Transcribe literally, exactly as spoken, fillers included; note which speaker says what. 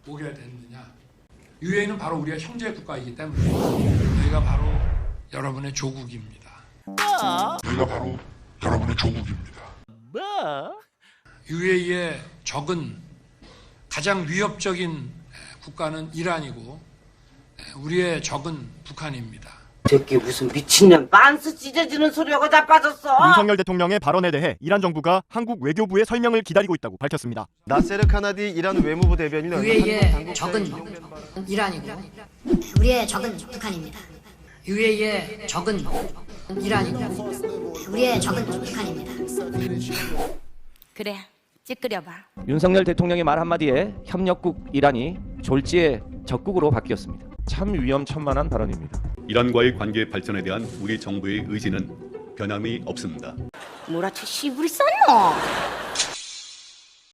Speaker 1: 오게 됐느냐? 유에이는 바로 우리의 형제 국가이기 때문에 저희가 바로 여러분의 조국입니다.
Speaker 2: 저희가 바로 여러분의 조국입니다.
Speaker 1: 유에이의 적은 가장 위협적인 국가는 이란이고 우리의 적은 북한입니다.
Speaker 3: 새끼 무슨 미친년 빤스 찢어지는 소리하고 자빠졌어.
Speaker 4: 윤석열 대통령의 발언에 대해 이란 정부가 한국 외교부의 설명을 기다리고 있다고 밝혔습니다.
Speaker 5: 나세르 카나디 이란 외무부 대변인은
Speaker 6: 유에이의 적은 이란이고
Speaker 7: 우리의 적은 북한입니다.
Speaker 6: 유에이의 적은 이란이고
Speaker 7: 우리의 적은 북한입니다.
Speaker 8: 그래, 찌끄려봐.
Speaker 9: 윤석열 대통령의 말 한마디에 협력국 이란이 졸지에 적국으로 바뀌었습니다.
Speaker 10: 참 위험천만한 발언입니다.
Speaker 11: 이란과의 관계 발전에 대한 우리 정부의 의지는 변함이 없습니다.
Speaker 8: 뭐라쳐 시부리 쌌노?